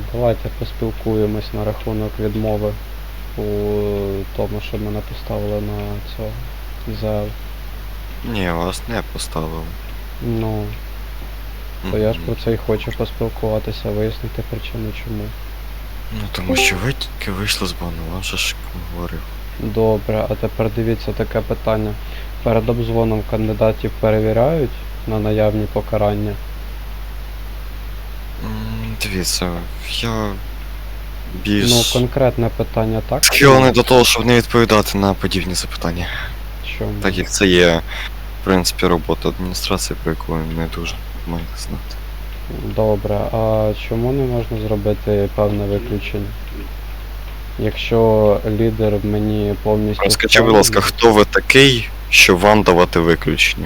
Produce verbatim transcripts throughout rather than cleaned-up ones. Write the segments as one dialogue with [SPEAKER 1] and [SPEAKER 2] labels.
[SPEAKER 1] Давайте поспілкуємось на рахунок відмови у тому, що мене поставили на цього ЗЛ.
[SPEAKER 2] Ні, вас не поставили.
[SPEAKER 1] Ну, то я ж про це і хочу поспілкуватися, вияснити причину чому.
[SPEAKER 2] Ну тому що ви тільки вийшли з бану, вам же ж говорив.
[SPEAKER 1] Добре, а тепер дивіться таке питання. Перед обзвоном кандидатів перевіряють на наявні покарання?
[SPEAKER 2] М, Дивіться, я більш
[SPEAKER 1] Ну, конкретне питання, так?
[SPEAKER 2] схилений до того, щоб не відповідати на подібні запитання.
[SPEAKER 1] Чому?
[SPEAKER 2] Так як це є, в принципі, робота адміністрації, про яку ви не дуже маєте знати.
[SPEAKER 1] Добре, а чому не можна зробити певне виключення? Якщо лідер мені повністю...
[SPEAKER 2] Скажіть, будь ласка, хто ви такий, щоб вам давати виключення?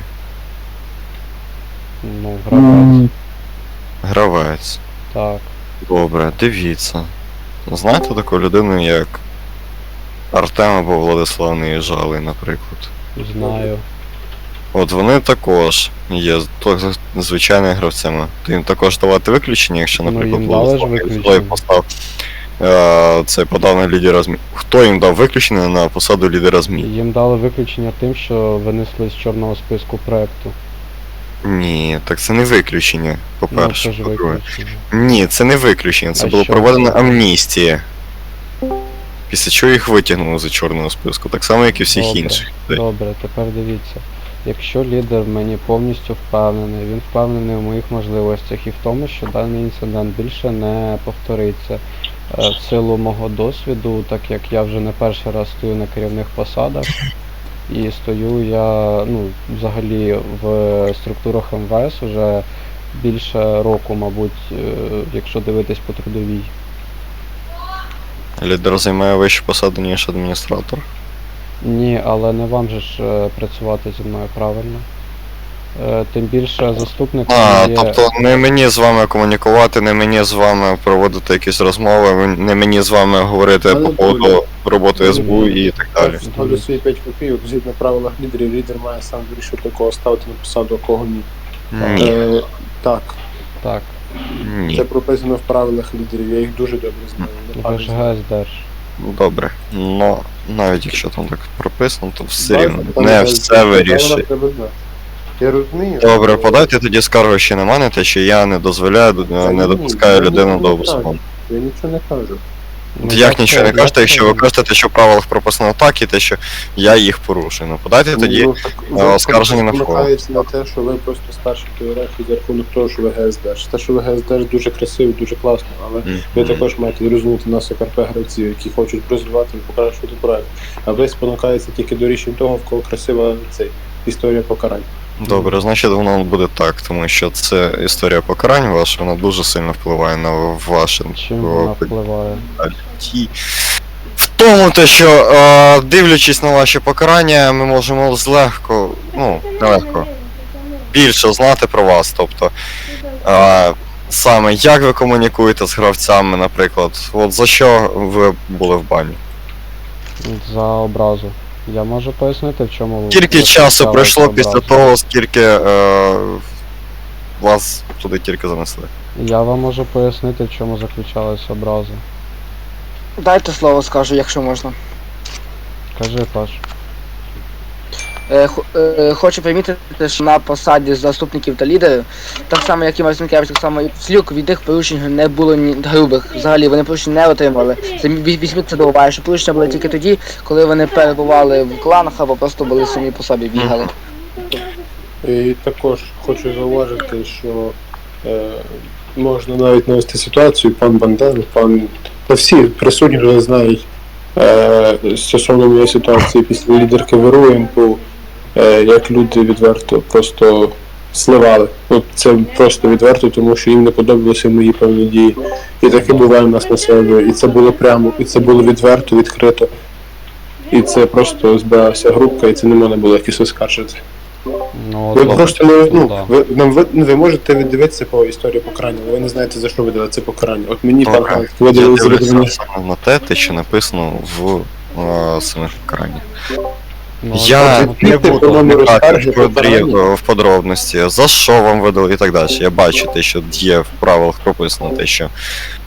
[SPEAKER 1] Ну, гравець.
[SPEAKER 2] Гравець.
[SPEAKER 1] Так.
[SPEAKER 2] Добре, дивіться. Знаєте таку людину, як Артем або Владислав Неїжалий, наприклад?
[SPEAKER 1] Знаю.
[SPEAKER 2] От вони також є то- звичайними гравцями. То їм також давати виключення, якщо,
[SPEAKER 1] Ну,
[SPEAKER 2] наприклад,
[SPEAKER 1] їм дали ж
[SPEAKER 2] Владислав
[SPEAKER 1] виключення.
[SPEAKER 2] Неїжалий постав е, це подав на лідера ЗМІ. Хто їм дав виключення на посаду лідера ЗМІ?
[SPEAKER 1] Їм дали виключення тим, що винесли з чорного списку проекту.
[SPEAKER 2] Ні, так це не виключення,
[SPEAKER 1] Ну,
[SPEAKER 2] по-перше.
[SPEAKER 1] це ж
[SPEAKER 2] По-друге.
[SPEAKER 1] виключення.
[SPEAKER 2] Ні, це не виключення, це
[SPEAKER 1] А
[SPEAKER 2] було
[SPEAKER 1] що
[SPEAKER 2] проведена
[SPEAKER 1] це?
[SPEAKER 2] амністія. Після чого їх витягнули з чорного списку, так само, як і всіх
[SPEAKER 1] Добре,
[SPEAKER 2] інших.
[SPEAKER 1] Добре, тепер дивіться. Якщо лідер мені повністю впевнений, він впевнений в моїх можливостях і в тому, що даний інцидент більше не повториться. Е, В силу мого досвіду, так як я вже не перший раз стою на керівних посадах, і стою я, ну, взагалі в структурах ем ве ес уже більше року, мабуть, е, якщо дивитись по трудовій.
[SPEAKER 2] Лідер займає вищу посаду, ніж адміністратор.
[SPEAKER 1] Ні, але не вам же ж е, працювати зі мною правильно. Е, Тим більше заступник
[SPEAKER 2] А,
[SPEAKER 1] є...
[SPEAKER 2] тобто не мені з вами комунікувати, не мені з вами проводити якісь розмови, не мені з вами говорити
[SPEAKER 3] Але
[SPEAKER 2] по поводу роботи ес бе у і так далі.
[SPEAKER 3] Ставлю свої п'ять копійок, згідно правилах лідерів, лідер має сам вирішити, кого ставити на посаду, а кого ні.
[SPEAKER 2] Ні,
[SPEAKER 3] Е, так,
[SPEAKER 1] Так,
[SPEAKER 2] ні.
[SPEAKER 3] це прописано в правилах лідерів, я їх дуже добре знаю. не
[SPEAKER 1] ви
[SPEAKER 3] пам'ятаю.
[SPEAKER 1] ж ге ес держ.
[SPEAKER 2] Добре. Ну, навіть якщо там так прописано, то все
[SPEAKER 3] Так,
[SPEAKER 2] рівно.
[SPEAKER 3] так,
[SPEAKER 2] Не
[SPEAKER 3] так,
[SPEAKER 2] все
[SPEAKER 3] правила
[SPEAKER 2] вирішує.
[SPEAKER 3] треба знати. Я розумію.
[SPEAKER 2] Добре,
[SPEAKER 3] але-
[SPEAKER 2] подайте тоді скаргу ще на мене, те, що я не дозволяю, не допускаю
[SPEAKER 3] ні,
[SPEAKER 2] людину
[SPEAKER 3] ні,
[SPEAKER 2] до
[SPEAKER 3] ні,
[SPEAKER 2] обслуговування.
[SPEAKER 3] Я нічого не кажу.
[SPEAKER 1] Ну,
[SPEAKER 2] Як нічого не
[SPEAKER 1] це-
[SPEAKER 2] кажете,
[SPEAKER 1] я
[SPEAKER 2] якщо ви
[SPEAKER 1] це-
[SPEAKER 2] кажете, що в правилах прописано так, і те, що я їх порушую. Ну подайте тоді.
[SPEAKER 3] Ну, так,
[SPEAKER 2] е,
[SPEAKER 3] ви
[SPEAKER 2] оскарження на
[SPEAKER 3] просто
[SPEAKER 2] вкол.
[SPEAKER 3] намагаєтесь на те, що ви просто старші по ієрархії за рахунок того, що ви ге ес держ. Те, що ви ге ес держ дуже красиво, дуже класно, але ви
[SPEAKER 2] Мгм.
[SPEAKER 3] також маєте зрозуміти нас як ар пе гравців, які хочуть розвивати і покращувати проект. А ви спонукаєтеся тільки до рішень того, в кого красива цей історія покарань.
[SPEAKER 2] Добре, значить воно буде так, тому що це історія покарань ваша, вона дуже сильно впливає на ваше
[SPEAKER 1] Чим вона впливає?
[SPEAKER 2] житті. В тому те, що е, дивлячись на ваші покарання, ми можемо злегко, ну, нелегко, більше знати про вас. Тобто, е, саме як ви комунікуєте з гравцями, наприклад, от за що ви були в бані?
[SPEAKER 1] За образу. Я можу пояснити, в чому...
[SPEAKER 2] Скільки
[SPEAKER 1] ви
[SPEAKER 2] часу
[SPEAKER 1] почали
[SPEAKER 2] пройшло
[SPEAKER 1] за
[SPEAKER 2] після
[SPEAKER 1] образу?
[SPEAKER 2] того, скільки е, вас туди тільки занесли?
[SPEAKER 1] Я вам можу пояснити, в чому заключалась образа.
[SPEAKER 4] Дайте слово скажу, якщо можна.
[SPEAKER 1] Кажи, Паш.
[SPEAKER 4] Е, хо- е, хочу примітити, що на посаді заступників та лідерів, так само як і Марцинкевич, так само і Слюк, від них порушень не було ні грубих. Взагалі вони порушень не отримали. Це ві- візьміть це до уваги, що порушення були тільки тоді, коли вони перебували в кланах або просто були самі по собі бігали.
[SPEAKER 3] І також хочу зауважити, що е, можна навіть навести ситуацію, пан Банден, пан та всі присутні вже знають е, стосовно моєї ситуації після лідерки ВРУ, е, як люди відверто просто сливали. От це просто відверто, тому що їм не подобалися мої певні дії. І таке буває в нас на сервері. І це було прямо, і це було відверто, відкрито. І це просто збиралася групка, і це не можна було якось оскаржити.
[SPEAKER 1] Ну,
[SPEAKER 3] Ви
[SPEAKER 1] от,
[SPEAKER 3] просто не ну,
[SPEAKER 1] да.
[SPEAKER 3] ви, нам ви, ну, ви можете віддивитися по історії покарання, але ви не знаєте, за що ви дали це покарання. От мені пан
[SPEAKER 2] Добре.
[SPEAKER 3] Ганк
[SPEAKER 2] Я
[SPEAKER 3] видали з
[SPEAKER 2] дивлюся
[SPEAKER 3] людини.
[SPEAKER 2] саме на те, те, що написано в е, самих покараннях.
[SPEAKER 1] Ну,
[SPEAKER 2] Я
[SPEAKER 1] от,
[SPEAKER 2] не
[SPEAKER 3] Відкрити,
[SPEAKER 2] буду
[SPEAKER 3] по-моєму,
[SPEAKER 2] вникати
[SPEAKER 3] розкарги,
[SPEAKER 2] в, подрі-
[SPEAKER 3] покарання.
[SPEAKER 2] в подробності, за що вам видали і так далі. Я бачу те, що є в правилах прописано те, що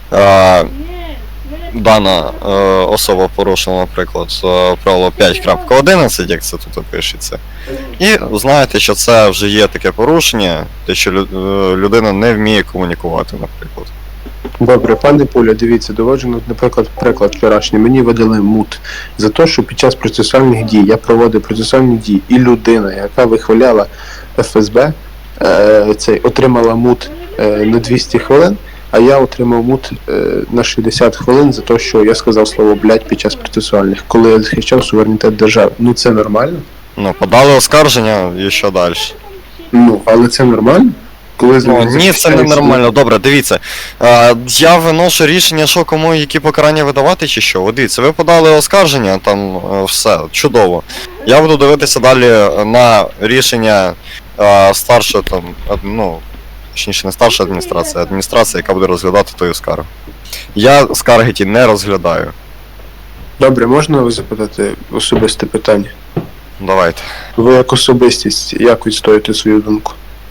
[SPEAKER 2] е, дана е, особа порушила, наприклад, е, правило п'ять крапка одинадцять, як це тут пишеться. І знаєте, що це вже є таке порушення, те, що лю- е, людина не вміє комунікувати, наприклад.
[SPEAKER 3] Добре, пане Пуля, дивіться, доводжу, ну, наприклад, приклад вчорашній. Мені видали мут за те, що під час процесуальних дій я проводив процесуальні дії, і людина, яка вихваляла еф ес бе, е, цей, отримала мут е, на двісті хвилин, а я отримав мут е, на шістдесят хвилин за те, що я сказав слово блядь під час процесуальних, коли я захищав суверенітет держави. Ну це нормально?
[SPEAKER 2] Ну, подали оскарження і що далі?
[SPEAKER 3] Ну, але це нормально? Коли
[SPEAKER 2] Ну, ні, це не
[SPEAKER 3] захищають
[SPEAKER 2] нормально. Добре, дивіться. Е, я виношу рішення, що кому які покарання видавати чи що. От дивіться, ви подали оскарження, там е, все, чудово. Я буду дивитися далі на рішення е, старшої там, ад- ну, точніше не старша адміністрація, а адміністрація, яка буде розглядати тою скаргу. Я скарги ті не розглядаю.
[SPEAKER 3] Добре, можна вас запитати особисте питання?
[SPEAKER 2] Давайте.
[SPEAKER 3] Ви як особистість, як відстоїте свою думку?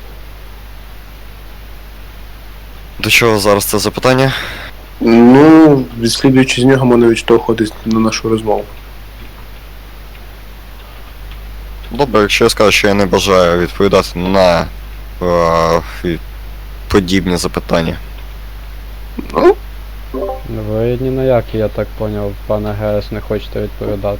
[SPEAKER 2] До чого зараз це запитання?
[SPEAKER 3] Ну, відслідуючи з нього, можна відштовхуватись на нашу розмову.
[SPEAKER 2] Добре, якщо я скажу, що я не бажаю відповідати на е, і подібні запитання.
[SPEAKER 3] Ну,
[SPEAKER 1] Ви ні на які, я так поняв, пане ГС, не хочете відповідати.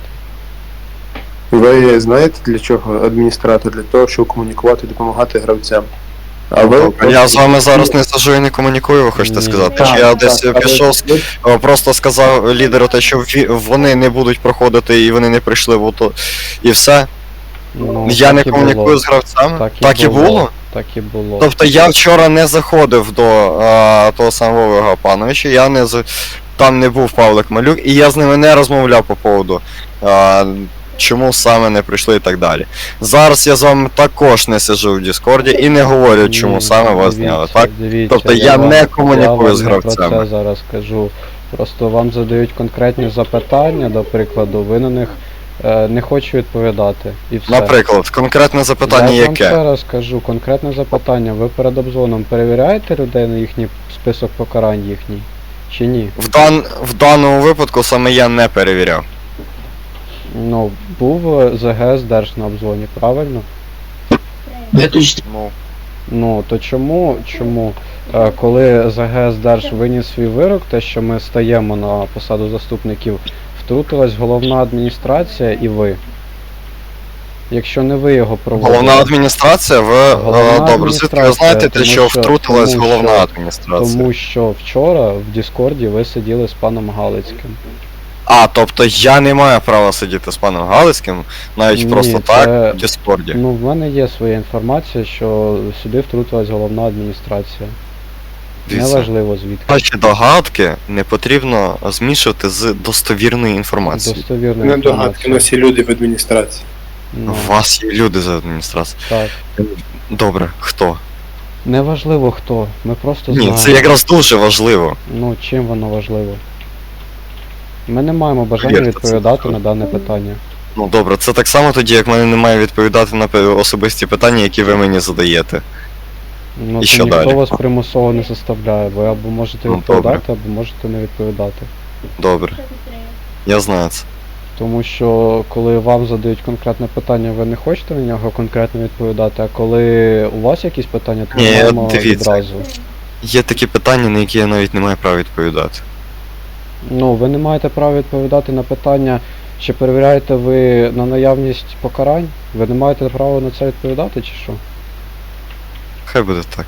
[SPEAKER 3] ви знаєте для чого адміністратор? Для того, щоб комунікувати, допомагати гравцям. А ви
[SPEAKER 2] Я з вами зараз не сажу і не комунікую, ви хочете
[SPEAKER 1] Ні.
[SPEAKER 2] сказати?
[SPEAKER 3] Так,
[SPEAKER 2] Чи я
[SPEAKER 3] так,
[SPEAKER 2] десь
[SPEAKER 3] але
[SPEAKER 2] пішов,
[SPEAKER 3] ви-
[SPEAKER 2] е, просто сказав лідеру те, що ві- вони не будуть проходити і вони не прийшли, бо то і все.
[SPEAKER 1] Ну,
[SPEAKER 2] Я
[SPEAKER 1] так
[SPEAKER 2] не
[SPEAKER 1] і
[SPEAKER 2] комунікую
[SPEAKER 1] було.
[SPEAKER 2] з гравцями.
[SPEAKER 1] Так і
[SPEAKER 2] Так і
[SPEAKER 1] було.
[SPEAKER 2] було?
[SPEAKER 1] Так і було.
[SPEAKER 2] Тобто я вчора не заходив до е, того самого Вовга Пановича, я не з... там не був Павлик Малюк, і я з ними не розмовляв по поводу, е, чому саме не прийшли і так далі. Зараз я з вами також не сиджу в Діскорді і не говорю, чому
[SPEAKER 1] Ні,
[SPEAKER 2] саме вас
[SPEAKER 1] дивіться,
[SPEAKER 2] зняли, так?
[SPEAKER 1] Дивіться,
[SPEAKER 2] Тобто я
[SPEAKER 1] вам-
[SPEAKER 2] не комунікую
[SPEAKER 1] я вам
[SPEAKER 2] з
[SPEAKER 1] не
[SPEAKER 2] гравцями.
[SPEAKER 1] Про це зараз кажу. Просто вам задають конкретні запитання, до прикладу, ви на них е, не хочу відповідати. І все.
[SPEAKER 2] Наприклад, конкретне запитання
[SPEAKER 1] я вам ще
[SPEAKER 2] яке?
[SPEAKER 1] раз кажу, конкретне запитання. Ви перед обзвоном перевіряєте людей на їхній список покарань їхній? Чи ні?
[SPEAKER 2] В, дан... в даному випадку саме я не перевіряв.
[SPEAKER 1] Ну, був е, ЗГС Держ на обзвоні, правильно?
[SPEAKER 2] Ну,
[SPEAKER 1] Ну, то чому, чому, е, коли ЗГС Держ виніс свій вирок, те, що ми стаємо на посаду заступників, втрутилась головна адміністрація і ви? Якщо не ви його проводили.
[SPEAKER 2] головна адміністрація, ви е,
[SPEAKER 1] Головна
[SPEAKER 2] добре, звідки ви
[SPEAKER 1] адміністрація,
[SPEAKER 2] знаєте, те,
[SPEAKER 1] тому
[SPEAKER 2] що
[SPEAKER 1] що-
[SPEAKER 2] втрутилась
[SPEAKER 1] тому
[SPEAKER 2] головна
[SPEAKER 1] що-
[SPEAKER 2] адміністрація?
[SPEAKER 1] Тому що вчора в Діскорді ви сиділи з паном Галицьким.
[SPEAKER 2] А, тобто я не маю права сидіти з паном Галицьким, навіть
[SPEAKER 1] Ні,
[SPEAKER 2] просто
[SPEAKER 1] це-
[SPEAKER 2] так, в Діскорді.
[SPEAKER 1] Ну, в мене є своя інформація, що сюди втрутилась головна адміністрація.
[SPEAKER 2] Дивіться,
[SPEAKER 1] Неважливо звідки.
[SPEAKER 2] ваші догадки не потрібно змішувати з достовірною інформацією.
[SPEAKER 1] Достовірна
[SPEAKER 3] Не догадки,
[SPEAKER 1] інформація.
[SPEAKER 3] на всі люди в адміністрації.
[SPEAKER 1] Ну,
[SPEAKER 2] У вас є люди з адміністрації.
[SPEAKER 1] так.
[SPEAKER 2] Добре, хто?
[SPEAKER 1] Неважливо хто. Ми просто
[SPEAKER 2] Ні,
[SPEAKER 1] знаємо.
[SPEAKER 2] це якраз дуже важливо.
[SPEAKER 1] Ну, чим воно важливо? Ми не маємо бажання
[SPEAKER 2] Повірте, це
[SPEAKER 1] відповідати
[SPEAKER 2] важливо.
[SPEAKER 1] на дане питання.
[SPEAKER 2] Ну добре, це так само тоді, як мене немає відповідати на пе- особисті питання, які ви мені задаєте.
[SPEAKER 1] Ну,
[SPEAKER 2] І
[SPEAKER 1] то
[SPEAKER 2] що
[SPEAKER 1] ніхто
[SPEAKER 2] далі?
[SPEAKER 1] вас примусово не заставляє. Ви або можете
[SPEAKER 2] Ну,
[SPEAKER 1] відповідати, або можете не відповідати.
[SPEAKER 2] Добре. Я знаю це.
[SPEAKER 1] Тому що коли вам задають конкретне питання, ви не хочете на нього конкретно відповідати, а коли у вас якісь питання, то
[SPEAKER 2] Ні,
[SPEAKER 1] ми маємо
[SPEAKER 2] дивіться.
[SPEAKER 1] відразу.
[SPEAKER 2] Є такі питання, на які я навіть не маю права відповідати.
[SPEAKER 1] Ну, ви не маєте права відповідати на питання, чи перевіряєте ви на наявність покарань? Ви не маєте права на це відповідати, чи що?
[SPEAKER 2] Хай буде так.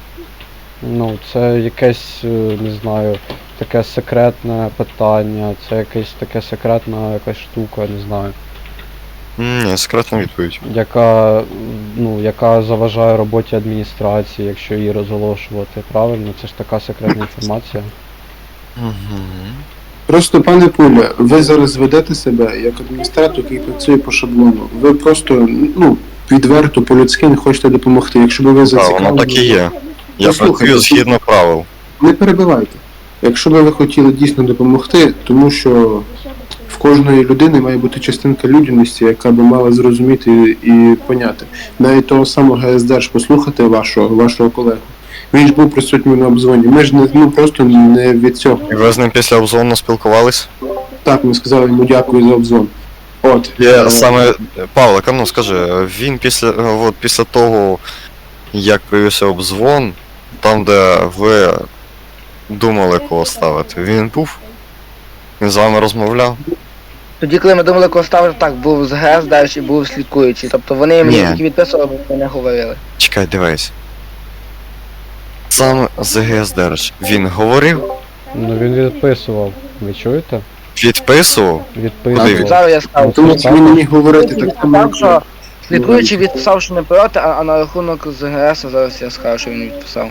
[SPEAKER 1] Ну, це якесь, е, не знаю, таке секретне питання, це якесь таке секретна якась штука, не знаю,
[SPEAKER 2] М, Ні, секретна відповідь.
[SPEAKER 1] яка, м, ну, яка заважає роботі адміністрації, якщо її розголошувати, правильно? Це ж така секретна інформація.
[SPEAKER 2] Угу.
[SPEAKER 3] Просто, пане Пуля, ви зараз ведете себе як адміністратор, який працює по шаблону. Ви просто, ну, відверто, по-людськи не хочете допомогти. Якщо б ви
[SPEAKER 2] Так,
[SPEAKER 3] зацікавлені...
[SPEAKER 2] воно так і є. Я
[SPEAKER 3] Послухайте,
[SPEAKER 2] працюю згідно правил.
[SPEAKER 3] Не перебивайте. Якщо б ви хотіли дійсно допомогти, тому що в кожної людини має бути частинка людяності, яка би мала зрозуміти і поняти. Навіть того самого ГС Держ послухати вашого, вашого колегу Він ж був присутній на обзвоні. Ми ж не, ну, просто не від цього.
[SPEAKER 2] І ви з ним після обзвону спілкувались?
[SPEAKER 3] Так, ми сказали йому дякую за обзвон. От.
[SPEAKER 2] Я
[SPEAKER 3] е,
[SPEAKER 2] саме Павлик, а ну скажи, він після от після того, як появився обзвон, там де ви думали кого ставити, він був? Він з вами розмовляв?
[SPEAKER 4] Тоді, коли ми думали, кого ставити, так, був з ГЕС, далі був слідкуючий. Тобто вони мені
[SPEAKER 2] Ні.
[SPEAKER 4] тільки відписували, бо не говорили.
[SPEAKER 2] Чекай, дивись. Сам ЗГС Держ, він говорив,
[SPEAKER 1] Ну він відписував. Ви чуєте?
[SPEAKER 2] відписував.
[SPEAKER 1] Відписував.
[SPEAKER 4] Зараз я скажу.
[SPEAKER 3] Тому що він не міг говорити так само.
[SPEAKER 4] Відписав, що слідкуючий відписав, що не проти, а, а на рахунок з ГЕС зараз я скажу, що він відписав.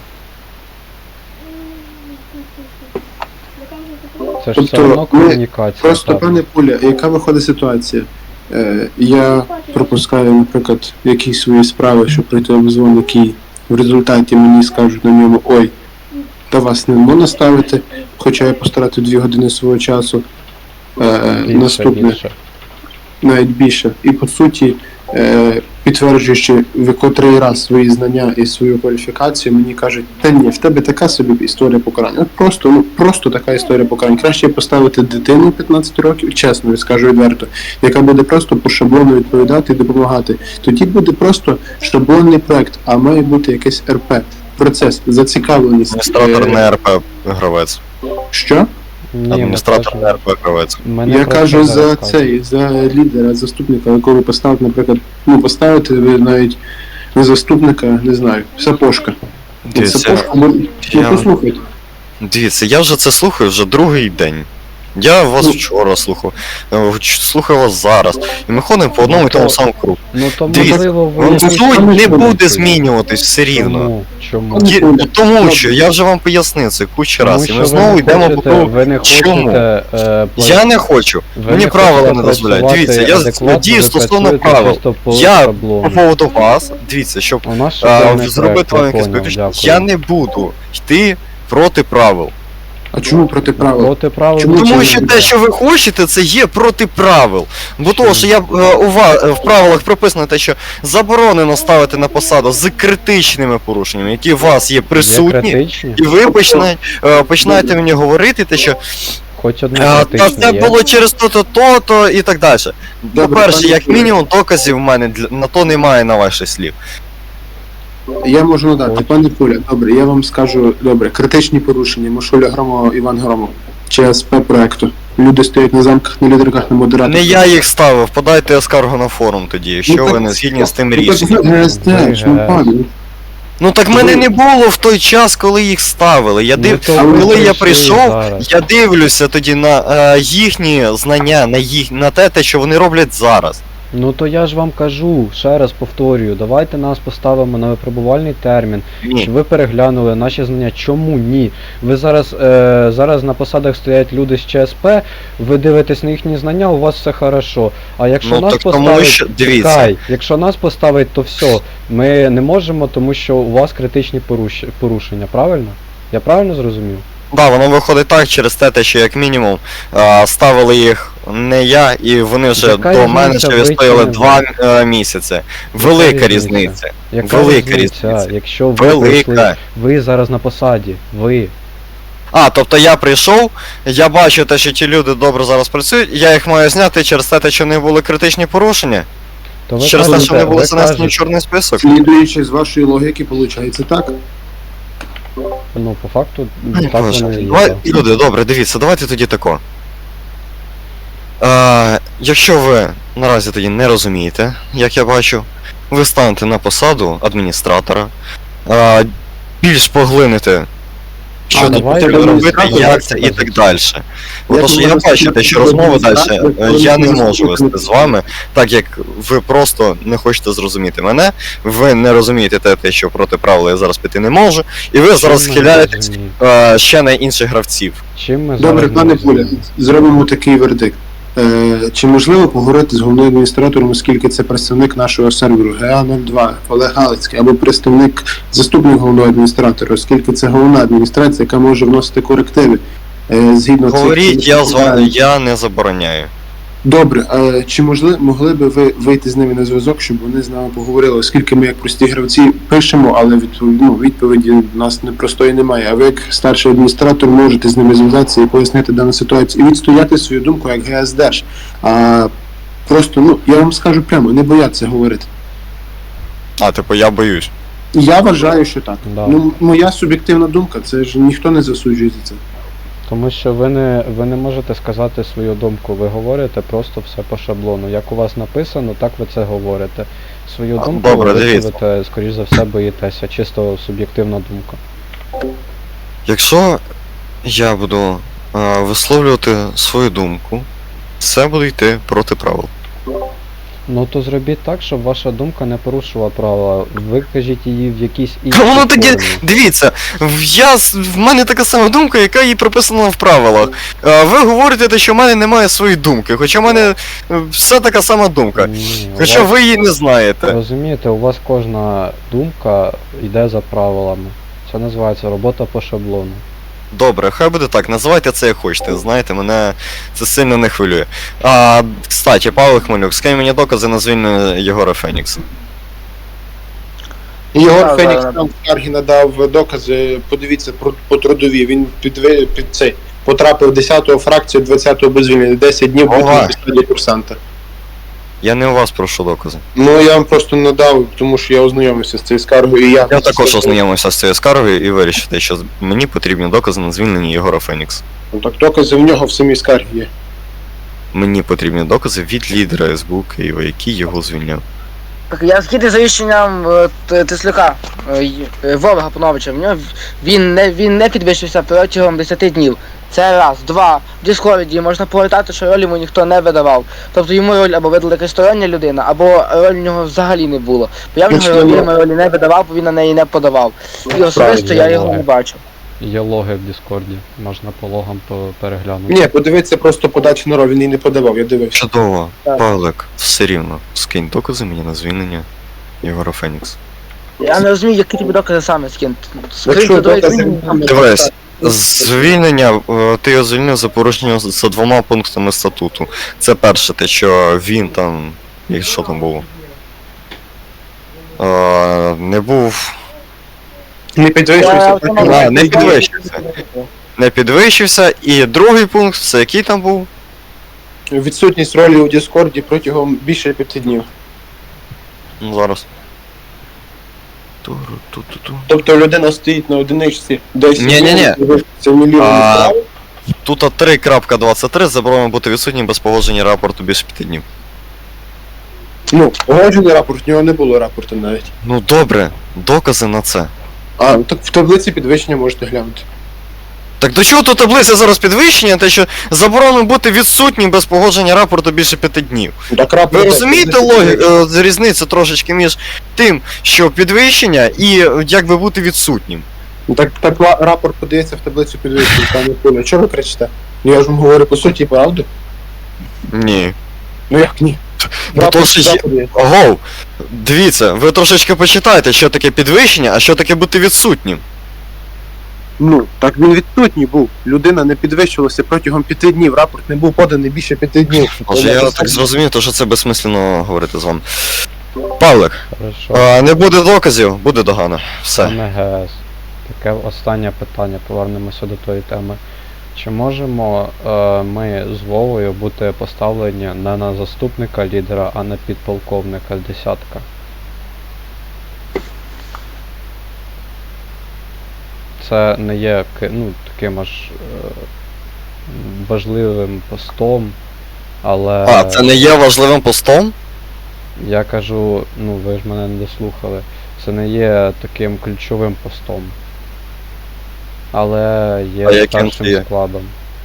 [SPEAKER 1] Це ж
[SPEAKER 3] Тобто
[SPEAKER 1] все одно
[SPEAKER 3] ми
[SPEAKER 1] комунікація.
[SPEAKER 3] Просто,
[SPEAKER 1] так.
[SPEAKER 3] пане Пуля, яка виходить ситуація? Е, я пропускаю, наприклад, якісь свої справи, щоб пройти обзвон, який в результаті мені скажуть на ньому, ой, та вас не можна ставити, хоча я постратив дві години свого часу. Е,
[SPEAKER 1] Більше,
[SPEAKER 3] наступне,
[SPEAKER 1] більше.
[SPEAKER 3] навіть більше. І по суті, е, підтверджуючи в котрий раз свої знання і свою кваліфікацію, мені кажуть, та ні, в тебе така собі історія покарання. От просто, ну просто така історія покарання. Краще поставити дитину п'ятнадцять років, чесно, скажу відверто, яка буде просто по шаблону відповідати і допомагати. Тоді буде просто шаблонний проект, а має бути якийсь РП. Процес, зацікавленість.
[SPEAKER 2] Адміністратор
[SPEAKER 3] Е,
[SPEAKER 2] не РП гравець.
[SPEAKER 3] Що?
[SPEAKER 1] Ні, ми
[SPEAKER 2] Адміністратор
[SPEAKER 1] кажемо-
[SPEAKER 2] не РП гравець.
[SPEAKER 1] ми не
[SPEAKER 3] Я
[SPEAKER 1] про
[SPEAKER 3] кажу
[SPEAKER 1] це
[SPEAKER 3] за
[SPEAKER 1] зараз кажемо.
[SPEAKER 3] цей, за лідера, заступника, якого ви поставите, наприклад, ну поставити ви навіть не заступника, не знаю, Сапожка. От
[SPEAKER 2] Дивіться,
[SPEAKER 3] Сапожка, ну,
[SPEAKER 2] я-
[SPEAKER 3] ну послухайте.
[SPEAKER 2] Дивіться, я вже це слухаю вже другий день. Я вас
[SPEAKER 3] Ну.
[SPEAKER 2] вчора слухав, е, ч- слухаю вас зараз. І ми ходимо по одному і тому самому кругу.
[SPEAKER 1] Ну то
[SPEAKER 2] Дивіться,
[SPEAKER 1] можливо ви
[SPEAKER 2] Вам
[SPEAKER 1] якісь-
[SPEAKER 2] суть не
[SPEAKER 3] Чому?
[SPEAKER 2] буде змінюватись все рівно.
[SPEAKER 1] Чому? Чому?
[SPEAKER 3] Ну,
[SPEAKER 2] Є-
[SPEAKER 3] ну,
[SPEAKER 2] Тому що я вже вам пояснив це кучу
[SPEAKER 1] Тому
[SPEAKER 2] раз. І
[SPEAKER 1] що
[SPEAKER 2] ми
[SPEAKER 1] ви
[SPEAKER 2] знову
[SPEAKER 1] не
[SPEAKER 2] йдемо по
[SPEAKER 1] хочете-
[SPEAKER 2] тому.
[SPEAKER 1] Ви не
[SPEAKER 2] Чому?
[SPEAKER 1] хочете е, пла-
[SPEAKER 2] Я не хочу.
[SPEAKER 1] ви
[SPEAKER 2] Мені
[SPEAKER 1] не
[SPEAKER 2] правила
[SPEAKER 1] хочете
[SPEAKER 2] не дозволяють.
[SPEAKER 1] працювати
[SPEAKER 2] Дивіться, я
[SPEAKER 1] адекватно,
[SPEAKER 2] дію
[SPEAKER 1] ви
[SPEAKER 2] стосовно
[SPEAKER 1] працюєте
[SPEAKER 2] правил.
[SPEAKER 1] чисто по
[SPEAKER 2] Я
[SPEAKER 1] шаблону.
[SPEAKER 2] По поводу вас, дивіться, щоб
[SPEAKER 1] У нас
[SPEAKER 2] а,
[SPEAKER 1] шаблонний
[SPEAKER 2] зробити
[SPEAKER 1] проект,
[SPEAKER 2] вам
[SPEAKER 1] я
[SPEAKER 2] якесь
[SPEAKER 1] поняв,
[SPEAKER 2] виключення,
[SPEAKER 1] дякую.
[SPEAKER 2] я не буду йти проти правил.
[SPEAKER 3] А чому проти правил?
[SPEAKER 1] Проти правил.
[SPEAKER 3] Чому
[SPEAKER 2] Тому
[SPEAKER 3] це
[SPEAKER 2] що
[SPEAKER 3] не
[SPEAKER 2] те, що ви хочете, це є проти правил. Бо того, що я е, у вас в правилах прописано те, що заборонено ставити на посаду з критичними порушеннями, які у вас є
[SPEAKER 1] Є
[SPEAKER 2] присутні,
[SPEAKER 1] критичні?
[SPEAKER 2] і ви починаєте, е, починаєте мені говорити, те, що
[SPEAKER 1] Хоч одне
[SPEAKER 2] е, та
[SPEAKER 1] критичне
[SPEAKER 2] це
[SPEAKER 1] є.
[SPEAKER 2] було через то-то, то-то і так далі.
[SPEAKER 3] Добре,
[SPEAKER 2] По-перше,
[SPEAKER 3] пане
[SPEAKER 2] як
[SPEAKER 3] Юрію.
[SPEAKER 2] мінімум, доказів в мене для- на то немає на ваших слів.
[SPEAKER 3] Я можу надати,
[SPEAKER 1] Ось.
[SPEAKER 3] пане Пуля, добре, я вам скажу, добре, критичні порушення, Машуля Громова, Іван Громов, ЧСП проекту. Люди стоять на замках, на лідерках, на модераторах.
[SPEAKER 2] Не я їх ставив, подайте скаргу на форум тоді, якщо
[SPEAKER 3] Ну,
[SPEAKER 2] ви
[SPEAKER 3] так-
[SPEAKER 2] не згідні з тим
[SPEAKER 3] Ну, так
[SPEAKER 2] рішенням.
[SPEAKER 3] ви ГСТ, ж, ну,
[SPEAKER 1] Ви
[SPEAKER 3] пане.
[SPEAKER 2] Ну так мене не було в той час, коли їх ставили. Я
[SPEAKER 1] Ну,
[SPEAKER 2] див...
[SPEAKER 1] то
[SPEAKER 3] ви
[SPEAKER 2] Коли я
[SPEAKER 1] прийшли
[SPEAKER 2] прийшов,
[SPEAKER 1] зараз.
[SPEAKER 2] я дивлюся тоді на е, їхні знання, на їх на те, те, що вони роблять зараз.
[SPEAKER 1] Ну то я ж вам кажу, ще раз повторюю, давайте нас поставимо на випробувальний термін,
[SPEAKER 2] Ні.
[SPEAKER 1] щоб ви переглянули наші знання. Чому ні? Ви зараз, е, зараз на посадах стоять люди з ЧСП, ви дивитесь на їхні знання, у вас все хорошо. А якщо
[SPEAKER 2] Ну
[SPEAKER 1] нас
[SPEAKER 2] так тому
[SPEAKER 1] поставить,
[SPEAKER 2] що дивіться.
[SPEAKER 1] чекай, якщо нас поставить, то все, ми не можемо, тому що у вас критичні поруш- порушення, правильно? Я правильно зрозумів?
[SPEAKER 2] Да, воно виходить так через те, те, що як мінімум е, ставили їх не я, і вони вже
[SPEAKER 1] Яка
[SPEAKER 2] до мене
[SPEAKER 1] різниця,
[SPEAKER 2] ще
[SPEAKER 1] ви
[SPEAKER 2] відстояли
[SPEAKER 1] чи не
[SPEAKER 2] два
[SPEAKER 1] ви?
[SPEAKER 2] е, місяці. Велика
[SPEAKER 1] різниця?
[SPEAKER 2] різниця.
[SPEAKER 1] Яка
[SPEAKER 2] Велика
[SPEAKER 1] різниця,
[SPEAKER 2] різниця.
[SPEAKER 1] якщо ви
[SPEAKER 2] Велика.
[SPEAKER 1] прийшли, ви зараз на посаді, ви.
[SPEAKER 2] А, тобто я прийшов, я бачу те, що ті люди добре зараз працюють, я їх маю зняти через те, те, що в них були критичні порушення,
[SPEAKER 1] То ви
[SPEAKER 2] через те, що вони
[SPEAKER 1] кажете-
[SPEAKER 2] були
[SPEAKER 1] ви
[SPEAKER 2] занесені в
[SPEAKER 1] кажете-
[SPEAKER 2] чорний список.
[SPEAKER 3] Слідуючи з вашої логіки, виходить так?
[SPEAKER 1] Ну, по факту, так
[SPEAKER 2] Боже,
[SPEAKER 1] воно і є.
[SPEAKER 2] давай,
[SPEAKER 1] так.
[SPEAKER 2] люди, добре, дивіться, давайте тоді тако. Е, якщо ви наразі тоді не розумієте, як я бачу, ви станете на посаду адміністратора, е, більш поглините, що
[SPEAKER 1] А,
[SPEAKER 2] тут
[SPEAKER 1] давайте
[SPEAKER 2] потрібно робити,
[SPEAKER 3] адміністратор,
[SPEAKER 2] як це і так далі. Бо
[SPEAKER 3] Я
[SPEAKER 2] то, що я
[SPEAKER 3] думаю,
[SPEAKER 2] бачу, те, що розмови далі
[SPEAKER 3] адміністратор,
[SPEAKER 2] е, я не
[SPEAKER 3] коли
[SPEAKER 2] можу вести з вами, так як ви просто не хочете зрозуміти мене, ви не розумієте те, те, що проти правил я зараз піти не можу, і ви зараз
[SPEAKER 1] Чим ми
[SPEAKER 2] схиляєтесь
[SPEAKER 1] розуміємо?
[SPEAKER 2] е, ще на інших гравців.
[SPEAKER 1] Чим ми
[SPEAKER 3] Добре,
[SPEAKER 1] зараз не
[SPEAKER 3] пане Пуля,
[SPEAKER 1] розуміємо?
[SPEAKER 3] зробимо такий вердикт. Е, чи можливо поговорити з головним адміністратором, оскільки це представник нашого серверу Г А нуль два, Олег Галицький, або представник заступник головного адміністратора, оскільки це головна адміністрація, яка може вносити корективи е, згідно цих-
[SPEAKER 2] Говоріть, я з вами, я не забороняю.
[SPEAKER 3] Добре, а чи можли, могли би ви вийти з ними на зв'язок, щоб вони з нами поговорили, оскільки ми як прості гравці пишемо, але відповіді, ну, відповіді в нас непростої немає. А ви як старший адміністратор можете з ними зв'язатися і пояснити дану ситуацію, і відстояти свою думку як ГСДеш. А просто, ну, я вам скажу прямо, не бояться говорити.
[SPEAKER 2] А, типу, я боюсь.
[SPEAKER 3] Я вважаю, що так.
[SPEAKER 1] Да.
[SPEAKER 3] Ну, моя суб'єктивна думка, це ж ніхто не засуджує за це.
[SPEAKER 1] Тому що ви не, ви не можете сказати свою думку, ви говорите просто все по шаблону. Як у вас написано, так ви це говорите. Свою
[SPEAKER 2] А,
[SPEAKER 1] думку
[SPEAKER 2] добре,
[SPEAKER 1] ви
[SPEAKER 2] дивіться.
[SPEAKER 1] висловите, скоріш за все, боїтеся, чисто суб'єктивна думка.
[SPEAKER 2] Якщо я буду е, висловлювати свою думку, це буде йти проти правил.
[SPEAKER 1] Ну то зробіть так, щоб ваша думка не порушувала правила. Викажіть її в якійсь іншій
[SPEAKER 2] Та воно тоді,
[SPEAKER 1] формі.
[SPEAKER 2] дивіться, в- я, с- в мене така сама думка, яка і прописана в правилах. Е, Ви говорите, те, що в мене немає своєї думки, хоча в мене е, все така сама думка.
[SPEAKER 1] Ні, у
[SPEAKER 2] Хоча
[SPEAKER 1] вас-
[SPEAKER 2] ви її не знаєте.
[SPEAKER 1] Розумієте, у вас кожна думка йде за правилами. Це називається робота по шаблону.
[SPEAKER 2] Добре, хай буде так, називайте це як хочете, знаєте, мене це сильно не хвилює. А, кстати, Павло Хмелюк, скинь мені докази на звільнення Єгора Фенікса.
[SPEAKER 3] Єгор
[SPEAKER 4] Так,
[SPEAKER 3] Фенікс
[SPEAKER 4] так,
[SPEAKER 3] нам в скаргі надав докази, подивіться про, по трудові. Він під, під цей потрапив десятого фракцію, двадцятого без звільнення, десять днів був
[SPEAKER 2] Ага.
[SPEAKER 3] на посаді курсанта.
[SPEAKER 2] Я не у вас прошу докази.
[SPEAKER 3] Ну я вам просто надав, тому що я ознайомився з цією скаргою і я.
[SPEAKER 2] Я також ознайомився з цією скаргою і вирішив, те, що мені потрібні докази на звільнення Єгора Фенікса.
[SPEAKER 3] Ну, так докази в нього в самій скаргі є.
[SPEAKER 2] Мені потрібні докази від лідера ес бе у Києва, який його звільняв.
[SPEAKER 4] Так, я згідний за рішенням е, Т- Тислюка е, й- е, Вови Гапоновича. В нього в- він не він не підвищився протягом десяти днів. Це раз. Два. В Діскорді можна повертати, що роль йому ніхто не видавав. Тобто йому роль або видала якась стороння людина, або роль в нього взагалі не було. Бо я в нього
[SPEAKER 3] Точно,
[SPEAKER 4] ролі,
[SPEAKER 3] ну.
[SPEAKER 4] йому ролі не видавав, бо він на неї не подавав. І особисто я його не бачив.
[SPEAKER 1] Є логи в Діскорді, можна по логам по- переглянути.
[SPEAKER 3] Ні, подивіться просто подачу на роль, він її не подавав, я дивився.
[SPEAKER 2] Чудово,
[SPEAKER 4] Так.
[SPEAKER 2] Павлик, все рівно, скинь докази мені на звільнення Єгора Фенікса.
[SPEAKER 4] Я не розумію, які тобі докази саме скинути.
[SPEAKER 3] Якщо
[SPEAKER 4] Скриньте до
[SPEAKER 3] докази-
[SPEAKER 4] звільнення.
[SPEAKER 2] Дивись, звільнення, е, ти його звільнив за порушення за двома пунктами статуту. Це перше, те, що він там. І що там було? Е, не був.
[SPEAKER 3] Не підвищився.
[SPEAKER 4] Я-
[SPEAKER 3] протягом-
[SPEAKER 2] А, не підвищився. Не підвищився. І другий пункт, це який там був?
[SPEAKER 3] Відсутність ролі у Діскорді протягом більше п'яти днів.
[SPEAKER 2] Ну зараз. Туру-ту-ту-ту.
[SPEAKER 3] Тобто людина стоїть на одиничці, десь
[SPEAKER 2] Ні-ні-ні.
[SPEAKER 3] це мільйон.
[SPEAKER 2] А, Тут три крапка двадцять три заборонено бути відсутнім без погодження рапорту більше п'яти днів.
[SPEAKER 3] Ну, погоджений рапорт, в нього не було рапорту навіть.
[SPEAKER 2] Ну добре, докази на це.
[SPEAKER 3] А, так в таблиці підвищення можете глянути.
[SPEAKER 2] Так до чого тут таблиця зараз підвищення, те що заборонено бути відсутнім без погодження рапорту більше п'яти днів.
[SPEAKER 3] Так рапорт.
[SPEAKER 2] Ви розумієте логіку, різницю трошечки між тим, що підвищення і е, якби бути відсутнім?
[SPEAKER 3] Так, так ла- рапорт подається в таблицю підвищення, там не пише. Чого ви кричите? Ну я ж вам говорю по суті правду.
[SPEAKER 2] Ні.
[SPEAKER 3] Ну як ні?
[SPEAKER 2] Ну то ж є.
[SPEAKER 3] подається.
[SPEAKER 2] Ого, дивіться, ви трошечки почитайте, що таке підвищення, а що таке бути відсутнім.
[SPEAKER 3] Ну, так він відсутній був. Людина не підвищувалася протягом п'яти днів. Рапорт не був поданий більше п'яти днів.
[SPEAKER 2] Може, я так зрозумів, то що це безсмислено говорити з вами. Павлик,
[SPEAKER 1] Хорошо.
[SPEAKER 2] е, не буде доказів, буде догана. Все.
[SPEAKER 1] Саме ГС. Таке останнє питання, повернемося до тої теми. Чи можемо е, ми з Вовою бути поставлені не на заступника лідера, а на підполковника з десятка? Це не є ки- ну, таким аж е, важливим постом, але
[SPEAKER 2] А, це не є важливим постом?
[SPEAKER 1] я кажу, ну ви ж мене не дослухали, це не є таким ключовим постом. Але є
[SPEAKER 2] А яким
[SPEAKER 1] старшим
[SPEAKER 2] це є?
[SPEAKER 1] складом.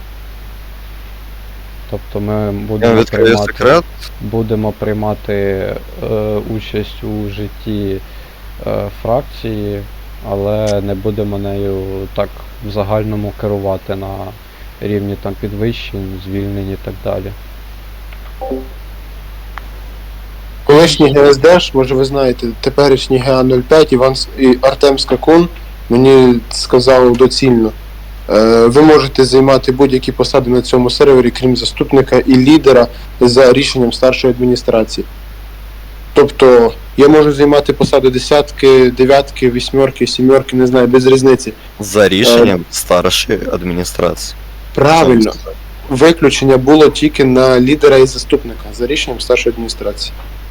[SPEAKER 1] Тобто ми
[SPEAKER 2] Я
[SPEAKER 1] будемо
[SPEAKER 2] відкрию
[SPEAKER 1] приймати,
[SPEAKER 2] секрет.
[SPEAKER 1] будемо приймати е, участь у житті е, фракції, але не будемо нею так в загальному керувати на рівні там підвищень, звільнень і так далі.
[SPEAKER 3] Колишній ГСДш, може ви знаєте, теперішній ГА нуль п'ять Іван С- і Артем Скакун мені сказав доцільно. Е, Ви можете займати будь-які посади на цьому сервері, крім заступника і лідера, за рішенням старшої адміністрації. Тобто я можу займати посади десятки, дев'ятки, вісьмерки, сімерки, не знаю, без різниці.
[SPEAKER 2] За рішенням старшої адміністрації.
[SPEAKER 3] Правильно. Виключення було тільки на лідера і заступника за рішенням старшої адміністрації.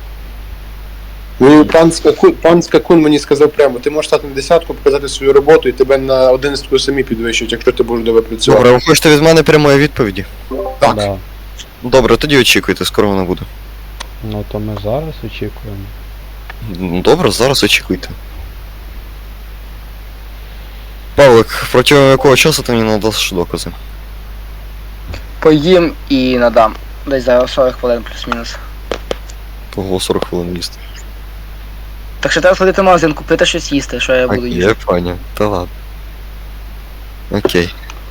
[SPEAKER 3] Ну, пан Скакун, пан Скакун мені сказав прямо, ти можеш стати на десятку, показати свою роботу і тебе на одинадцятку самі підвищують, якщо ти будеш добре працювати.
[SPEAKER 2] Добре, ви хочете від мене прямої відповіді?
[SPEAKER 3] Так.
[SPEAKER 1] Да.
[SPEAKER 2] Добре, тоді очікуйте, скоро вона буде.
[SPEAKER 1] Ну то ми зараз очікуємо.
[SPEAKER 2] Ну, добре, зараз очікуйте. Павлик, протягом якого часу ти мені надаш докази?
[SPEAKER 4] Поїм і надам. Десь за сорок хвилин плюс-мінус.
[SPEAKER 2] Того сорок хвилин їсти.
[SPEAKER 4] Так що треба сходити в магазин, купити щось їсти, що я буду
[SPEAKER 2] Окей,
[SPEAKER 4] їсти.
[SPEAKER 2] я понял. Та ладно. Окей.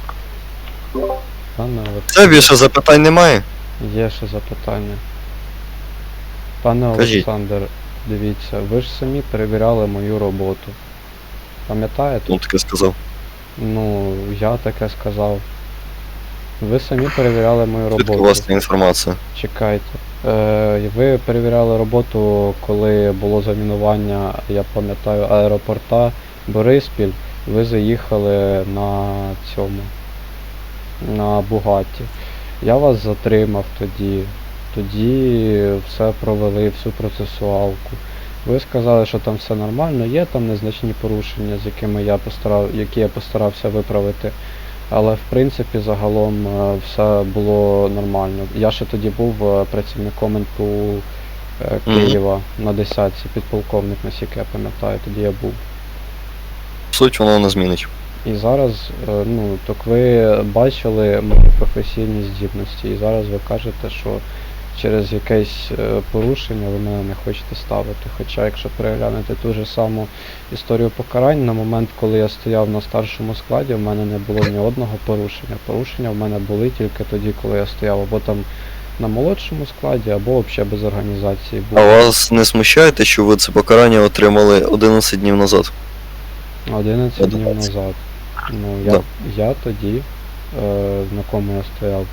[SPEAKER 1] Пане
[SPEAKER 2] Це
[SPEAKER 1] Олександр,
[SPEAKER 2] більше запитань немає?
[SPEAKER 1] є ще запитання. Пане
[SPEAKER 2] Кажіть.
[SPEAKER 1] Олександр, дивіться, ви ж самі перевіряли мою роботу. Пам'ятаєте?
[SPEAKER 2] Ну таке сказав.
[SPEAKER 1] Ну, я таке сказав. Ви самі перевіряли мою
[SPEAKER 2] Звідки у
[SPEAKER 1] роботу.
[SPEAKER 2] вас ця інформація?
[SPEAKER 1] Чекайте. Е, ви перевіряли роботу, коли було замінування, я пам'ятаю, аеропорта Бориспіль. Ви заїхали на цьому, на Бугатті. Я вас затримав тоді. Тоді все провели, всю процесуалку. Ви сказали, що там все нормально, є там незначні порушення, з якими я постарав, які я постарався виправити. Але в принципі загалом е, все було нормально. Я ще тоді був е, працівником ен пе у е,
[SPEAKER 2] Мгм.
[SPEAKER 1] Києва на десятці, підполковник, наскільки я пам'ятаю, тоді я був.
[SPEAKER 2] Суть воно не змінить.
[SPEAKER 1] І зараз, е, ну, так ви бачили мої професійні здібності, і зараз ви кажете, що через якесь е, порушення ви мене не хочете ставити. Хоча, якщо переглянути ту ж саму історію покарань, на момент, коли я стояв на старшому складі, в мене не було ні одного порушення. Порушення в мене були тільки тоді, коли я стояв або там на молодшому складі, або взагалі без організації
[SPEAKER 2] А
[SPEAKER 1] був.
[SPEAKER 2] вас не смущає те, що ви це покарання отримали одинадцять днів назад?
[SPEAKER 1] одинадцять днів
[SPEAKER 2] одинадцять.
[SPEAKER 1] назад. Ну, я,
[SPEAKER 2] Да.
[SPEAKER 1] я тоді, е, на кому я стояв.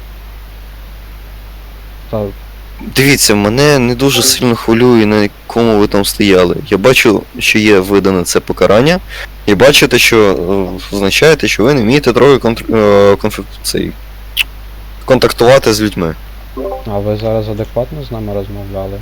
[SPEAKER 1] Та,
[SPEAKER 2] Дивіться, мене не дуже сильно хвилює, на якому ви там стояли. Я бачу, що є видане це покарання, і бачите, що е, означаєте, що ви не вмієте трохи контр... е, конф... цей... контактувати з людьми.
[SPEAKER 1] а ви зараз адекватно з нами розмовляли?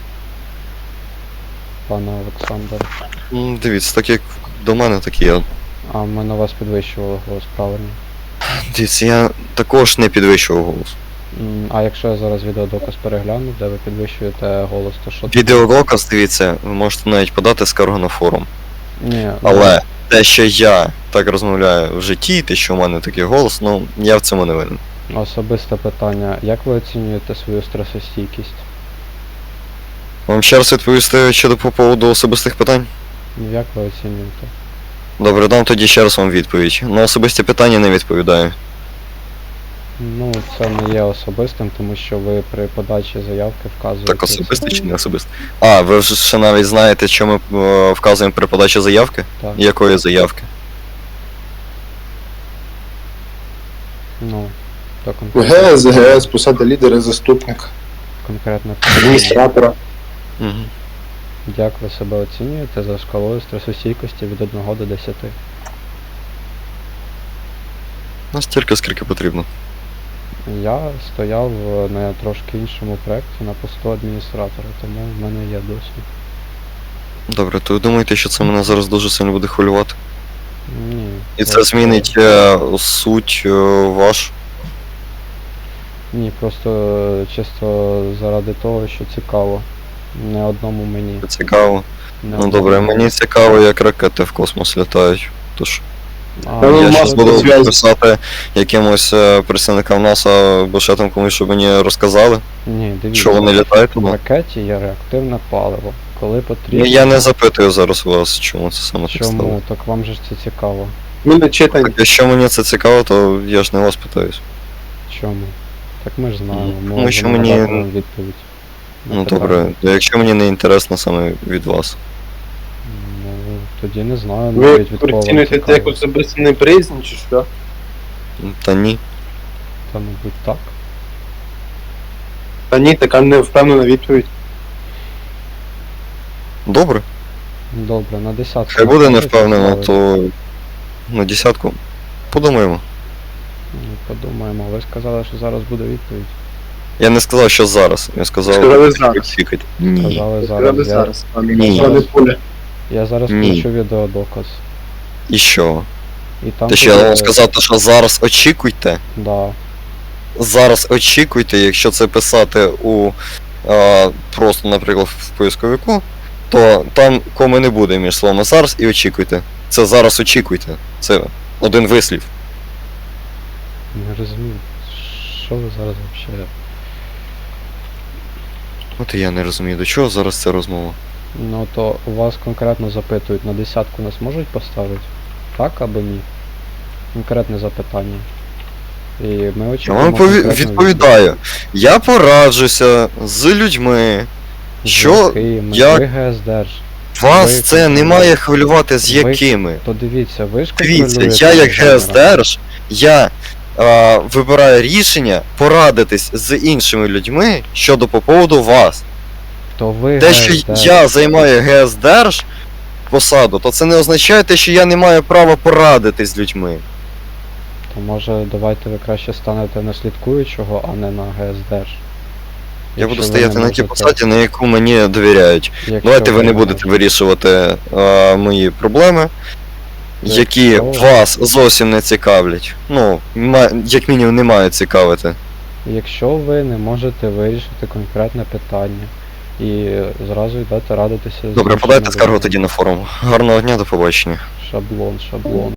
[SPEAKER 1] Пане Олександр.
[SPEAKER 2] М, Дивіться, так як до мене, так і я.
[SPEAKER 1] А ми на вас підвищували голос, правильно?
[SPEAKER 2] Дивіться, я також не підвищував голос.
[SPEAKER 1] М, А якщо я зараз відеодоказ перегляну, де ви підвищуєте голос, то що?
[SPEAKER 2] Відеодоказ, дивіться, ви можете навіть подати скаргу на форум.
[SPEAKER 1] Ні,
[SPEAKER 2] Але те, що я так розмовляю в житті, те, що в мене такий голос, ну я в цьому не винен.
[SPEAKER 1] ну, особисте питання. Як ви оцінюєте свою стресостійкість?
[SPEAKER 2] Вам ще раз відповісти щодо по поводу особистих питань?
[SPEAKER 1] Ну, Як ви оцінюєте?
[SPEAKER 2] Добре, дам тоді ще раз вам відповідь. На особисті питання не відповідаю.
[SPEAKER 1] Ну, це не є особистим, тому що ви при подачі заявки вказуєте.
[SPEAKER 2] Так особисте чи не особисте? А, ви вже ще навіть знаєте, що ми е, вказуємо при подачі заявки?
[SPEAKER 1] Так.
[SPEAKER 2] Якої заявки?
[SPEAKER 1] Ну, то конкретно,
[SPEAKER 3] ГС, ГС, посада лідера, заступника,
[SPEAKER 1] конкретно.
[SPEAKER 3] адміністратора.
[SPEAKER 2] Угу.
[SPEAKER 1] Як ви себе оцінюєте за шкалою стресостійкості від одного до десяти?
[SPEAKER 2] Настільки, скільки потрібно.
[SPEAKER 1] Я стояв е, на трошки іншому проєкті на посту адміністратора, тому в мене є досвід.
[SPEAKER 2] Добре, то ви думаєте, що це мене зараз дуже сильно буде хвилювати?
[SPEAKER 1] Ні.
[SPEAKER 2] І це
[SPEAKER 1] просто-
[SPEAKER 2] змінить е, суть е, ваш?
[SPEAKER 1] Ні, просто е, чисто заради того, що цікаво. Не одному мені.
[SPEAKER 2] Цікаво.
[SPEAKER 1] Не
[SPEAKER 2] Ну
[SPEAKER 1] одному
[SPEAKER 2] добре, мені цікаво, як ракети в космос літають. Тож
[SPEAKER 1] А,
[SPEAKER 3] Ну,
[SPEAKER 2] я
[SPEAKER 3] маска
[SPEAKER 2] зараз буду
[SPEAKER 3] зв'язку.
[SPEAKER 2] писати якимось е, представникам НАСА або ще там комусь, щоб мені розказали,
[SPEAKER 1] ні, дивіться.
[SPEAKER 2] що вони літають
[SPEAKER 1] В
[SPEAKER 2] туди.
[SPEAKER 1] ракеті є реактивне паливо. Коли
[SPEAKER 2] Ну,
[SPEAKER 1] потрібно.
[SPEAKER 2] я не запитую зараз вас, чому це саме так стало.
[SPEAKER 1] Чому? Так вам же ж це цікаво.
[SPEAKER 3] Ми не читаємо.
[SPEAKER 2] Так, якщо мені це цікаво, то я ж не вас питаюсь.
[SPEAKER 1] Чому? Так ми ж знаємо.
[SPEAKER 2] Ну,
[SPEAKER 1] Ми
[SPEAKER 2] тому що
[SPEAKER 1] можемо
[SPEAKER 2] мені-
[SPEAKER 1] дати вам відповідь. на
[SPEAKER 2] Ну
[SPEAKER 1] питання.
[SPEAKER 2] добре, то якщо мені не інтересно саме від вас.
[SPEAKER 1] Ну, тоді не знаю,
[SPEAKER 3] Ви
[SPEAKER 1] навіть від кого вам
[SPEAKER 3] оцінюєте це як
[SPEAKER 1] цікаво.
[SPEAKER 3] особисту неприязнь чи що?
[SPEAKER 2] Та ні.
[SPEAKER 1] Та, мабуть, так.
[SPEAKER 3] Та ні, така не впевнена відповідь.
[SPEAKER 2] Добре.
[SPEAKER 1] Добре, на десятку.
[SPEAKER 2] Хай буде не
[SPEAKER 1] можете
[SPEAKER 2] впевнено,
[SPEAKER 1] поставити?
[SPEAKER 2] то на десятку. Подумаємо.
[SPEAKER 1] Ну, подумаємо. Ви сказали, що зараз буде відповідь.
[SPEAKER 2] Я не сказав, що зараз. Я сказав,
[SPEAKER 3] Сказали зараз.
[SPEAKER 2] фікать. Ні.
[SPEAKER 1] Сказали
[SPEAKER 3] Сказали
[SPEAKER 1] зараз. Я,
[SPEAKER 3] зараз, пане
[SPEAKER 2] Ні.
[SPEAKER 3] пане Пуля.
[SPEAKER 1] я зараз
[SPEAKER 2] Ні.
[SPEAKER 1] включу відеодоказ.
[SPEAKER 2] І що?
[SPEAKER 1] І там
[SPEAKER 2] Те, що я
[SPEAKER 1] буде-
[SPEAKER 2] вам сказати, що зараз очікуйте.
[SPEAKER 1] Да.
[SPEAKER 2] Зараз очікуйте, якщо це писати у а, просто, наприклад, в поисковику, то там коми не буде між словами зараз і очікуйте. Це зараз очікуйте. Це один вислів.
[SPEAKER 1] Не розумію. Що ви зараз взагалі?
[SPEAKER 2] От і я не розумію, до чого зараз ця розмова.
[SPEAKER 1] Ну то у вас конкретно запитують, на десятку нас можуть поставити? Так або ні? Конкретне запитання. І ми
[SPEAKER 2] Я
[SPEAKER 1] очікуємо
[SPEAKER 2] вам пові-
[SPEAKER 1] конкретну
[SPEAKER 2] відповідаю. Я пораджуся з людьми,
[SPEAKER 1] відповідь. З
[SPEAKER 2] що
[SPEAKER 1] якими?
[SPEAKER 2] як-
[SPEAKER 1] Ви ГСДРж.
[SPEAKER 2] вас
[SPEAKER 1] ви
[SPEAKER 2] це не
[SPEAKER 1] контролюєте.
[SPEAKER 2] має хвилювати з
[SPEAKER 1] Ви-
[SPEAKER 2] якими.
[SPEAKER 1] То дивіться, ви ж
[SPEAKER 2] Дивіться,
[SPEAKER 1] контролюєте
[SPEAKER 2] я як
[SPEAKER 1] Володимира.
[SPEAKER 2] ГСДРж, я а, вибираю рішення порадитись з іншими людьми щодо по поводу вас.
[SPEAKER 1] То ви
[SPEAKER 2] Те, що
[SPEAKER 1] ГСДРж.
[SPEAKER 2] я займаю ГСДРж посаду, то це не означає те, що я не маю права порадитись з людьми.
[SPEAKER 1] То може давайте ви краще станете на слідкуючого, а не на ГСДРж.
[SPEAKER 2] Я буду
[SPEAKER 1] Якщо ви
[SPEAKER 2] стояти
[SPEAKER 1] не
[SPEAKER 2] на тій
[SPEAKER 1] можете-
[SPEAKER 2] посаді, на яку мені довіряють.
[SPEAKER 1] якщо
[SPEAKER 2] Давайте ви не
[SPEAKER 1] не
[SPEAKER 2] будете
[SPEAKER 1] можете.
[SPEAKER 2] вирішувати а, мої проблеми, які
[SPEAKER 1] Якщо-
[SPEAKER 2] вас зовсім не цікавлять. Ну, ма- як мінімум не мають цікавити.
[SPEAKER 1] Якщо ви не можете вирішити конкретне питання і зразу йдете радитися з
[SPEAKER 2] Добре,
[SPEAKER 1] іншими
[SPEAKER 2] подайте скаргу
[SPEAKER 1] людьми.
[SPEAKER 2] тоді на форум. Гарного дня, до побачення.
[SPEAKER 1] Шаблон, шаблон.